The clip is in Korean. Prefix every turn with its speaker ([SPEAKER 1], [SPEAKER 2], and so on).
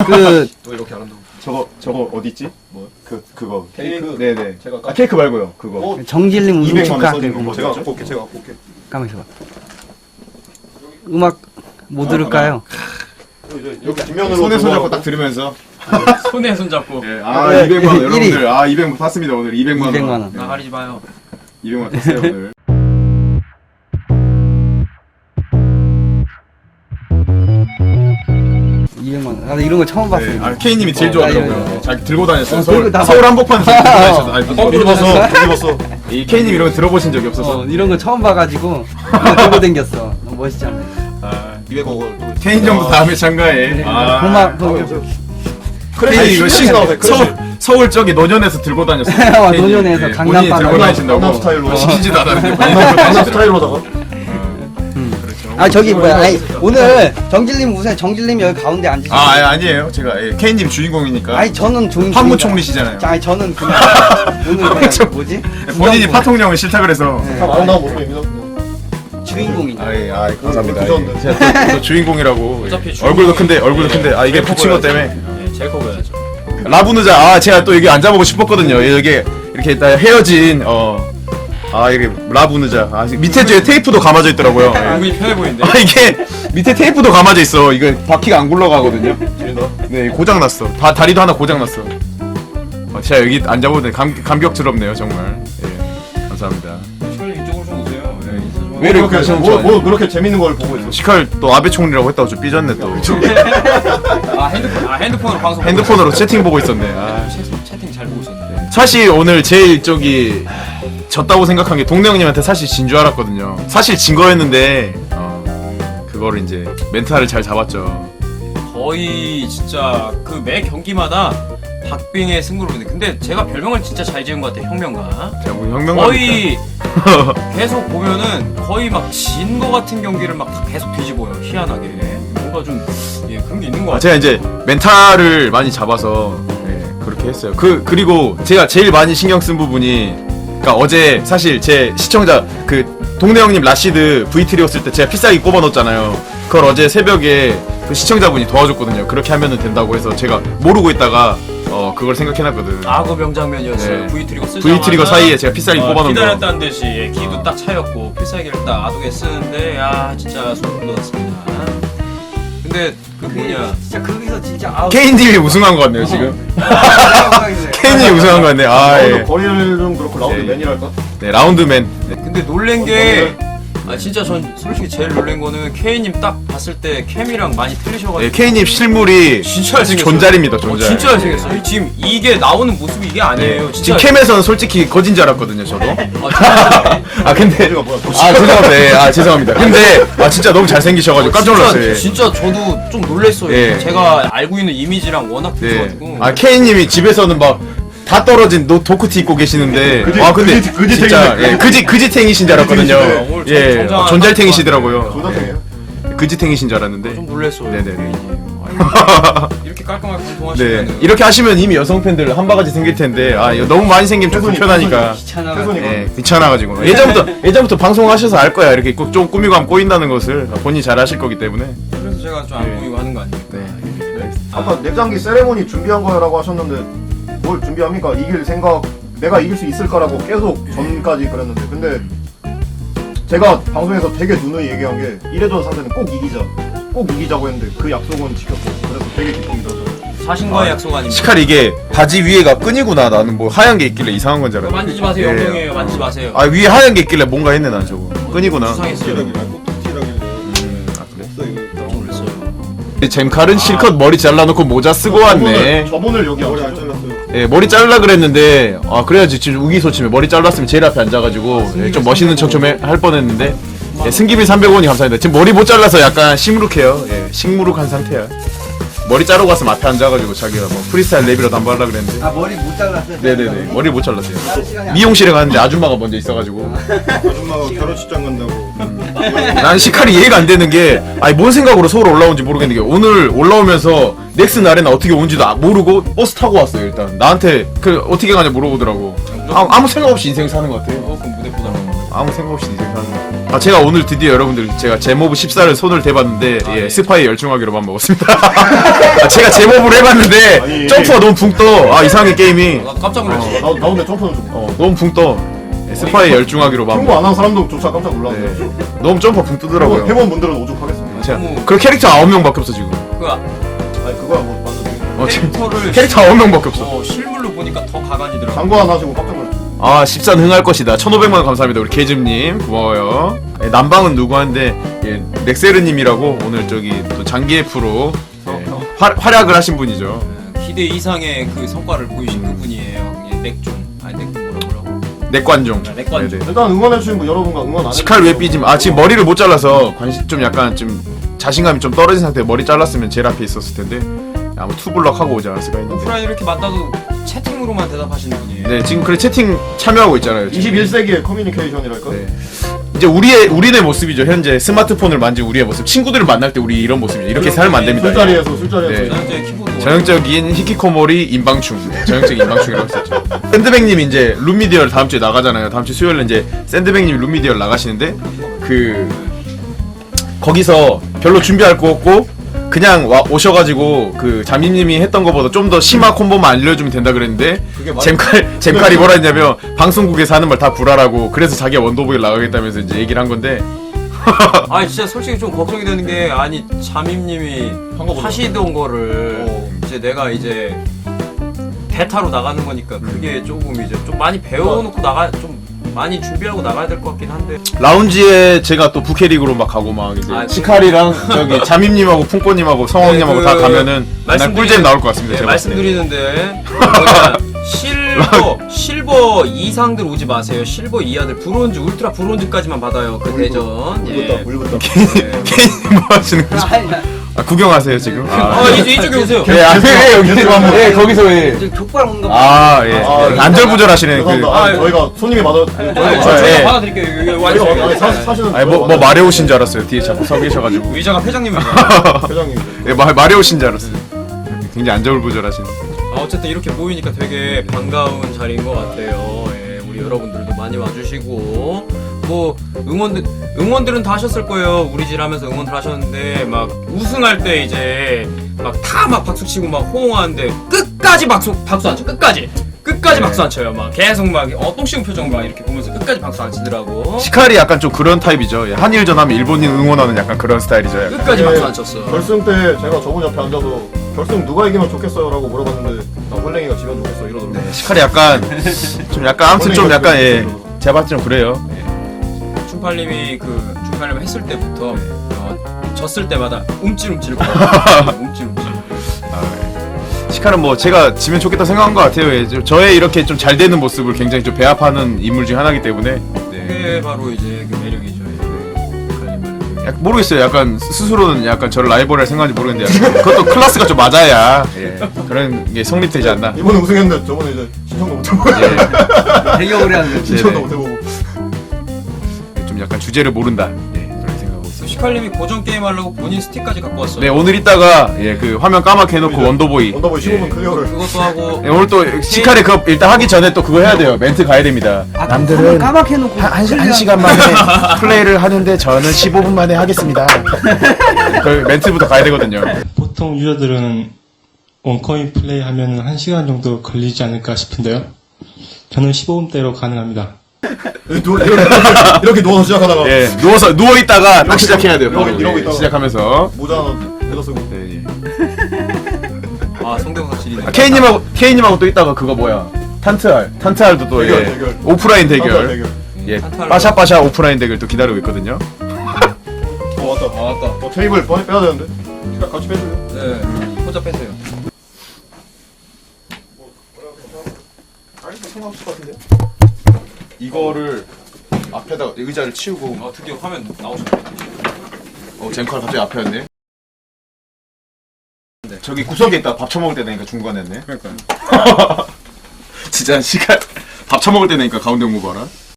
[SPEAKER 1] 그
[SPEAKER 2] 또 이렇게 안 한다고.
[SPEAKER 3] 저거 어디 있지?
[SPEAKER 2] 뭐?
[SPEAKER 3] 그거.
[SPEAKER 2] 케이크.
[SPEAKER 3] 네네.
[SPEAKER 2] 제가
[SPEAKER 3] 아 케이크 말고요. 그거.
[SPEAKER 1] 정질림 우승
[SPEAKER 3] 200만 원
[SPEAKER 1] 축하.
[SPEAKER 3] 써주는 거
[SPEAKER 2] 제가
[SPEAKER 3] 뭐죠?
[SPEAKER 2] 갖고 올게. 제가 갖고 올게.
[SPEAKER 1] 가만 있어봐. 음악 뭐 들을까요?
[SPEAKER 3] 여기 뒷면으로 손에 손잡고 딱 들으면서.
[SPEAKER 4] 손에 손잡고.
[SPEAKER 3] 예, 아
[SPEAKER 1] 네,
[SPEAKER 3] 200만 원
[SPEAKER 1] 일위.
[SPEAKER 3] 여러분들. 아 200만 탔습니다 오늘 200만 원.
[SPEAKER 1] 200만 원.
[SPEAKER 4] 나가리지 마요.
[SPEAKER 3] 200만 원 탔어요 오늘.
[SPEAKER 1] 나도 이런 거 처음 봤어.
[SPEAKER 3] 네, 아 K님이 제일
[SPEAKER 1] 아,
[SPEAKER 3] 좋아하더라고요.
[SPEAKER 1] 이거.
[SPEAKER 3] 잘 들고 다녔어요.
[SPEAKER 1] 들고 다-
[SPEAKER 3] 서울 한복판 들고 다니셨어. 아,
[SPEAKER 2] 입었어.
[SPEAKER 3] 이 K님 이런 거 들어보신 적이 없어서.
[SPEAKER 1] 이런 거 처음 봐가지고 이거 들고 댕겼어. 너무 멋있잖아.
[SPEAKER 3] 아,
[SPEAKER 2] 200억.
[SPEAKER 3] K님 정도 다음에 참가해. 아,
[SPEAKER 1] 고막
[SPEAKER 3] K님 이거 서울 저기 노년에서 들고 다녔어요.
[SPEAKER 1] 와,
[SPEAKER 3] K님,
[SPEAKER 1] 노년에서
[SPEAKER 3] 예,
[SPEAKER 1] 강남
[SPEAKER 3] 본인이
[SPEAKER 1] 바다.
[SPEAKER 3] 들고 다니신다고.
[SPEAKER 2] 강남 스타일로.
[SPEAKER 3] 시키지도 않았는데
[SPEAKER 2] 강남 스타일로다가.
[SPEAKER 1] 아 저기 뭐야? 아니, 오늘 정질님 우선 정질님 여기 가운데 앉으시고.
[SPEAKER 3] 아니에요. 제가 K님 주인공이니까.
[SPEAKER 1] 아니 저는 주인공.
[SPEAKER 3] 판무총리시잖아요.
[SPEAKER 1] 아니 저는 그 오늘
[SPEAKER 3] 판무총-
[SPEAKER 1] 뭐지?
[SPEAKER 3] 본인이 파통령을 싫다 그래서.
[SPEAKER 1] 네.
[SPEAKER 2] 다 아름다운 모습입니다.
[SPEAKER 1] 주인공이죠.
[SPEAKER 3] 감사합니다.
[SPEAKER 2] 죄송합니다.
[SPEAKER 3] 제가 또 주인공이라고.
[SPEAKER 4] 어차피
[SPEAKER 3] 얼굴도 큰데
[SPEAKER 4] 주인공이에요.
[SPEAKER 3] 아 이게 붙인 것 때문에.
[SPEAKER 4] 예, 제일 커 보여야죠.
[SPEAKER 3] 라부누자 제가 또 여기 앉아보고 싶었거든요. 여기 이렇게 딱 헤어진 이게 라부누자 밑에 저 테이프도 감아져 있더라고요.
[SPEAKER 4] 얼굴이 편해 보이는데.
[SPEAKER 3] 이게 밑에 테이프도 감아져 있어. 이거 바퀴가 안 굴러가거든요. 네 고장 났어. 다리도 하나 고장 났어. 제가 여기 앉아보는데 감격스럽네요 정말. 예 감사합니다.
[SPEAKER 4] 시컬 이쪽으로 좀 오세요.
[SPEAKER 3] 왜 이렇게 하시는 거예요?
[SPEAKER 2] 뭐 그렇게 재밌는 걸 보고 있어.
[SPEAKER 3] 시칼 또 아베 총리라고 했다고 좀 삐졌네 또.
[SPEAKER 4] 핸드폰으로 방송.
[SPEAKER 3] 핸드폰으로 채팅 보고 있었네.
[SPEAKER 4] 채팅 잘 보고 있었는데.
[SPEAKER 3] 사실 오늘 제일 졌다고 생각한 게 동네 형님한테 사실 진 줄 알았거든요. 사실 진 거였는데 그거를 이제 멘탈을 잘 잡았죠.
[SPEAKER 4] 거의 진짜 그 매 경기마다 박빙의 승부를 보는데 근데 제가 별명을 진짜 잘 지은 것 같아요. 혁명가.
[SPEAKER 3] 제가 뭐 혁명가
[SPEAKER 4] 거의 계속 보면은 거의 막 진 거 같은 경기를 막 다 계속 뒤집어요. 희한하게 뭔가 좀 그런 게 있는 것 같아요.
[SPEAKER 3] 제가 이제 멘탈을 많이 잡아서 그렇게 했어요. 그리고 제가 제일 많이 신경 쓴 부분이 그러니까 어제 사실 제 시청자 그 동네 형님 라시드 V3였을 때 제가 필살기 꼽아 넣었잖아요. 그걸 어제 새벽에 그 시청자분이 도와줬거든요. 그렇게 하면은 된다고 해서 제가 모르고 있다가 그걸 생각해놨거든.
[SPEAKER 4] 악어 명장면이었어요.
[SPEAKER 3] 네.
[SPEAKER 4] V 트리거 쓰자마자
[SPEAKER 3] V 트리거 사이에 제가 필살기 꼽아놓은 거.
[SPEAKER 4] 기다렸다는 듯이 기도 딱 차였고 필살기를 딱 아두게 쓰는데 야 진짜 소름 돋았습니다. 근데 그 뭐냐
[SPEAKER 1] 진짜 거기서 진짜 아우.
[SPEAKER 3] 케인님이 우승한 것 같네요 지금. 케인님이 우승한 것 같네.
[SPEAKER 2] 거리를 좀 그렇고 라운드
[SPEAKER 3] 예.
[SPEAKER 2] 맨이랄까?
[SPEAKER 3] 네 라운드맨. 네.
[SPEAKER 4] 근데 놀란 게 진짜 전 솔직히 제일 놀란 거는 K님 딱 봤을 때 캠이랑 많이 틀리셔가지고
[SPEAKER 3] 네, K님 실물이
[SPEAKER 4] 진짜 잘생겼어요.
[SPEAKER 3] 존잘입니다 존잘.
[SPEAKER 4] 진짜 잘생겼어요. 지금 이게 나오는 모습이 이게 아니에요.
[SPEAKER 3] 네.
[SPEAKER 4] 진짜
[SPEAKER 3] 지금 캠에서는 솔직히 거진 줄 알았거든요 저도.
[SPEAKER 4] 진짜
[SPEAKER 3] 근데 죄송합니다. 죄송합니다. 근데 진짜 너무 잘생기셔가지고 깜짝 놀랐어요.
[SPEAKER 4] 진짜 저도 좀 놀랐어요.
[SPEAKER 3] 예.
[SPEAKER 4] 제가 알고 있는 이미지랑 워낙
[SPEAKER 3] 네.
[SPEAKER 4] 비슷해가지고
[SPEAKER 3] K님이 집에서는 막 다 떨어진 도크티 입고 계시는데 근데 진짜 그지탱이신 줄 알았거든요.
[SPEAKER 4] 오늘
[SPEAKER 3] 예
[SPEAKER 4] 정장한
[SPEAKER 3] 존잘탱이시더라고요.
[SPEAKER 2] 조다탱이에요?
[SPEAKER 3] 그지탱이신 줄 알았는데.
[SPEAKER 4] 좀 놀랐어요.
[SPEAKER 3] 네네네.
[SPEAKER 4] 이렇게 깔끔하게
[SPEAKER 3] 네
[SPEAKER 4] 방송하시면
[SPEAKER 3] 이렇게 하시면 이미 여성 팬들 한 바가지 생길 텐데 이거 너무 많이 생기면 좀 불편하니까.
[SPEAKER 1] 귀찮아.
[SPEAKER 3] 네, 귀찮아가지고 예전부터 방송하셔서 알 거야. 이렇게 좀 꾸미고 하면 꼬인다는 것을 본인이 잘 아실 거기 때문에.
[SPEAKER 4] 그래서 제가 좀 안 보이고 하는 거 아닙니까?
[SPEAKER 3] 네.
[SPEAKER 2] 아까 넥장기 세레모니 준비한 거라고 하셨는데 뭘 준비합니까? 이길 생각 내가 이길 수 있을까라고 계속 전까지 그랬는데 근데 제가 방송에서 되게 누누이 얘기한 게 1회전 상대는 꼭 이기자고 했는데 그 약속은 지켰고 그래서 되게 기쁨이 들었어요.
[SPEAKER 4] 자신과의 약속 아닙니까?
[SPEAKER 3] 시칼 이게 바지 위에가 끈이구나. 나는 뭐 하얀 게 있길래 이상한 건 줄 알았네.
[SPEAKER 4] 만지지 마세요. 영영이에요. 만지지 마세요.
[SPEAKER 3] 위에 하얀 게 있길래 뭔가 했네 난 저거. 끈이구나.
[SPEAKER 4] 수상했어요.
[SPEAKER 3] 그래?
[SPEAKER 4] 깜짝 놀랐어요.
[SPEAKER 3] 잼칼은 실컷 머리 잘라놓고 모자 쓰고 왔네.
[SPEAKER 2] 저분을 여기 머리 안 잘랐어요.
[SPEAKER 3] 예, 머리 잘라 그랬는데 그래야지 지금 우기소침해. 머리 잘랐으면 제일 앞에 앉아가지고 좀 멋있는 척 좀 할 뻔했는데. 승기비 300원이 감사합니다. 지금 머리 못 잘라서 약간 시무룩해요. 식무룩한 상태야. 머리 자르고 왔으면 앞에 앉아가지고 자기가 뭐 프리스타일 랩이라도 한번 하려고 그랬는데.
[SPEAKER 1] 머리 못 잘랐어요.
[SPEAKER 3] 네네네. 머리 못 잘랐어요. 미용실에 갔는데 아줌마가 먼저 있어가지고.
[SPEAKER 2] 아줌마가 결혼식장 간다고.
[SPEAKER 3] 난 시칼이 이해가 안 되는 게 뭔 생각으로 서울 올라온지 모르겠는 게 오늘 올라오면서 넥슨 아레나 어떻게 온지도 모르고 버스 타고 왔어요. 일단 나한테 어떻게 가냐 물어보더라고. 아무 생각 없이 인생 사는 것 같아요.
[SPEAKER 4] 그럼 무대 보더라고.
[SPEAKER 3] 아무 생각 없이 생각하는. 아 제가 오늘 드디어 여러분들 제가 제모브 14를 손을 대봤는데 예,
[SPEAKER 4] 네.
[SPEAKER 3] 스파이 열중하기로만 먹었습니다. 아, 제가 제모브를 해봤는데
[SPEAKER 2] 아니.
[SPEAKER 3] 점프가 너무 붕 떠. 아 이상해 게임이.
[SPEAKER 4] 나 깜짝 놀랐지.
[SPEAKER 2] 나 근데 점프는 좀.
[SPEAKER 3] 너무 붕 떠. 예, 스파이 열중하기로만.
[SPEAKER 2] 홍보 안 한 사람도 조차 깜짝 놀랐네.
[SPEAKER 3] 네. 너무 점프가 붕 뜨더라고요.
[SPEAKER 2] 해본 분들은 오죽하겠습니다.
[SPEAKER 3] 제가
[SPEAKER 4] 너무-
[SPEAKER 3] 그 캐릭터 9명밖에 없어 지금.
[SPEAKER 4] 그
[SPEAKER 2] 아니 그거야 뭐 완전
[SPEAKER 3] 지금
[SPEAKER 4] 캐릭터를
[SPEAKER 3] 캐릭터 9명밖에 없어.
[SPEAKER 4] 실물로 보니까 더 가관이더라고.
[SPEAKER 2] 장관 안 하시고 깜짝 놀랐어.
[SPEAKER 3] 아 14는 흥할 것이다. 1500만 감사합니다. 우리 개즘님 고마워요. 예, 남방은 누구 한데 예, 넥세르님이라고 오늘 저기 또 장기의 프로 예, 활약을 하신 분이죠.
[SPEAKER 4] 기대 이상의 그 성과를 보이신 그분이에요. 예, 넥종 아니 넥종 뭐라고?
[SPEAKER 3] 넥관종.
[SPEAKER 4] 넥관종.
[SPEAKER 3] 네네.
[SPEAKER 2] 일단 응원해주신 분 여러분과 응원 안
[SPEAKER 3] 시칼 왜 삐짐? 아 지금 머리를 못 잘라서 관심 좀 약간 좀 자신감이 좀 떨어진 상태에 머리 잘랐으면 제일 앞에 있었을 텐데 아마 투블럭 하고 오지 않았을까 했는데.
[SPEAKER 4] 오프라인 이렇게 만나도 채팅으로만 대답하시는 분이에요.
[SPEAKER 3] 네 지금 그래 채팅 참여하고 있잖아요. 지금.
[SPEAKER 2] 21세기의 커뮤니케이션이랄까?
[SPEAKER 3] 네. 이제 우리의 모습이죠. 현재 스마트폰을 만진 우리의 모습. 친구들을 만날 때 우리 이런 모습이죠. 이렇게 살면 안 됩니다.
[SPEAKER 2] 술자리에서
[SPEAKER 3] 네.
[SPEAKER 4] 전형적인 키보드.
[SPEAKER 3] 전형적인 히키코모리 인방충. 네, 전형적인 인방충이라고 했었죠. 샌드백님 이제 룸미디얼 다음 주에 나가잖아요. 다음 주 수요일에 이제 샌드백님 룸미디얼 나가시는데 그 거기서 별로 준비할 거 없고 그냥 오셔가지고 그 자민님이 했던 거보다 좀 더 심화 콤보만 알려주면 된다 그랬는데 잼칼이 뭐라 했냐면 방송국에서 하는 말 다 불화라고 그래서 자기가 원더보이 나가겠다면서 이제 얘기를 한 건데
[SPEAKER 4] 아니 진짜 솔직히 좀 걱정이 되는 게 아니 잠임님이 하시던 거를 이제 내가 이제 베타로 나가는 거니까 그게 조금 이제 좀 많이 배워놓고 좀 많이 준비하고 나가야 될 것 같긴 한데
[SPEAKER 3] 라운지에 제가 또 부캐릭으로 막 가고 막 이제
[SPEAKER 4] 아,
[SPEAKER 3] 시칼이랑 저기 자민님하고 풍꼬님하고 성황님하고
[SPEAKER 4] 네,
[SPEAKER 3] 다 가면은 맨날 꿀잼 나올 것 같습니다.
[SPEAKER 4] 네,
[SPEAKER 3] 제가 봤을 때.
[SPEAKER 4] 말씀드리는데 실버 이상들 오지 마세요. 실버 이하들 브론즈 울트라 브론즈까지만 받아요. 그 대전. 예.
[SPEAKER 2] 울긋다.
[SPEAKER 3] 케이님 뭐 하시는 거죠? 아, 구경하세요 지금?
[SPEAKER 4] 이쪽에 오세요.
[SPEAKER 3] 예, 여기 예, 거기서 예.
[SPEAKER 1] 지금 족발 먹는 거.
[SPEAKER 3] 아, 예. 안절부절하시네.
[SPEAKER 2] 죄송합니다.
[SPEAKER 3] 그,
[SPEAKER 2] 저희가 손님이 맞아.
[SPEAKER 3] 예.
[SPEAKER 4] 제가 받아드릴게요. 여기 와주세요.
[SPEAKER 2] 사실은
[SPEAKER 3] 아니 뭐 마레오신 줄 알았어요. 뒤에 자꾸 서 계셔가지고.
[SPEAKER 4] 의자가 회장님이죠.
[SPEAKER 2] 회장님.
[SPEAKER 3] 예, 마레오신 줄 알았어요. 굉장히 안절부절하시네.
[SPEAKER 4] 어쨌든 이렇게 모이니까 되게 반가운 자리인 것 같아요. 예, 우리 여러분들도 많이 와주시고 뭐 응원들은 다 하셨을 거예요. 우리 집 하면서 응원들 하셨는데 막 우승할 때 이제 막 다 막 박수 치고 막 호응하는데 끝까지 박수 안 쳐. 끝까지 박수 안 쳐요. 막 계속 막 똥 씌운 표정 막 이렇게 보면서 끝까지 박수 안 치더라고.
[SPEAKER 3] 시칼이 약간 좀 그런 타입이죠. 예, 한일전 하면 일본인 응원하는 약간 그런 스타일이죠. 약간.
[SPEAKER 4] 끝까지 박수 안 쳤어.
[SPEAKER 2] 결승 때 제가 저분 옆에 앉아서 결승 누가 이기면 좋겠어요? 라고 물어봤는데 나 홀랭이가 지면 좋겠어 이러던데.
[SPEAKER 3] 네, 시칼이 약간 좀 약간 아무튼 좀 약간 예. 제가 봤을 때는 그래요.
[SPEAKER 4] 춘팔님이 그 춘팔님 했을 때부터 졌을 때마다 움찔움찔 움찔움찔.
[SPEAKER 3] 시칼은 뭐 제가 지면 좋겠다 생각한 것 같아요. 예. 저의 이렇게 좀 잘 되는 모습을 굉장히 좀 배합하는 인물 중 하나이기 때문에. 네.
[SPEAKER 4] 그게 바로 이제 그 매력이죠.
[SPEAKER 3] 모르겠어요. 약간 스스로는 약간 저를 라이벌할 생각인지 모르겠는데 약간 그것도 클래스가 좀 맞아야 예. 그런 게 성립되지 않나.
[SPEAKER 2] 이번에 우승했는데 저번에 이제 신청도 못해보고
[SPEAKER 3] 예.
[SPEAKER 1] 되게 오래 하는
[SPEAKER 2] 신청도 못해보고.
[SPEAKER 3] 좀 약간 주제를 모른다. 예. 그런 생각하고 있어요.
[SPEAKER 4] 시칼님이 고전 게임 하려고 본인 스틱까지 갖고 왔어요.
[SPEAKER 3] 네 오늘 이따가 예, 그 화면 까맣게 해놓고 원더보이.
[SPEAKER 2] 원더보이 15분 클리어를.
[SPEAKER 4] 그것도 하고
[SPEAKER 3] 예, 오늘 또 시칼에 그거 일단 하기 전에 또 그거 해야 돼요. 멘트 가야 됩니다.
[SPEAKER 1] 남들은 까맣게 해놓고
[SPEAKER 3] 한 시간 만에 플레이를 하는데 저는 15분 만에 하겠습니다. 그 멘트부터 가야 되거든요.
[SPEAKER 5] 보통 유저들은 원코인 플레이 하면 1시간 정도 걸리지 않을까 싶은데요. 저는 15분대로 가능합니다.
[SPEAKER 2] 이렇게 누워서 시작하다가
[SPEAKER 3] 예, 누워 있다가 딱 시작해야 돼요. 바로.
[SPEAKER 2] 이러고
[SPEAKER 3] 예,
[SPEAKER 2] 있다가.
[SPEAKER 3] 시작하면서.
[SPEAKER 2] 모자 하나 내다 쓰고.
[SPEAKER 3] 네, 예.
[SPEAKER 4] 성대모사 질이네.
[SPEAKER 3] K님하고 또 있다가 그거 뭐야? 탄트알도 또
[SPEAKER 2] 대결,
[SPEAKER 3] 예.
[SPEAKER 2] 대결.
[SPEAKER 3] 오프라인
[SPEAKER 2] 대결.
[SPEAKER 3] 대결. 예,
[SPEAKER 4] 탄트알.
[SPEAKER 3] 빠샤빠샤 오프라인 대결 또 기다리고 있거든요.
[SPEAKER 2] 왔다. 테이블 빼야 되는데. 같이 빼줄래요?
[SPEAKER 4] 네. 혼자 빼세요.
[SPEAKER 2] 상관없을 것 같은데.
[SPEAKER 3] 이거를 앞에다가 의자를 치우고
[SPEAKER 4] 드디어 화면 나오셨네.
[SPEAKER 3] 젠칼 갑자기 앞에 왔네. 저기 구석에 있다 밥 처먹을 때 되니까 중간에 했네.
[SPEAKER 4] 그러니까요.
[SPEAKER 3] 진짜 시간 밥 처먹을 때 되니까 가운데 온 거 봐라.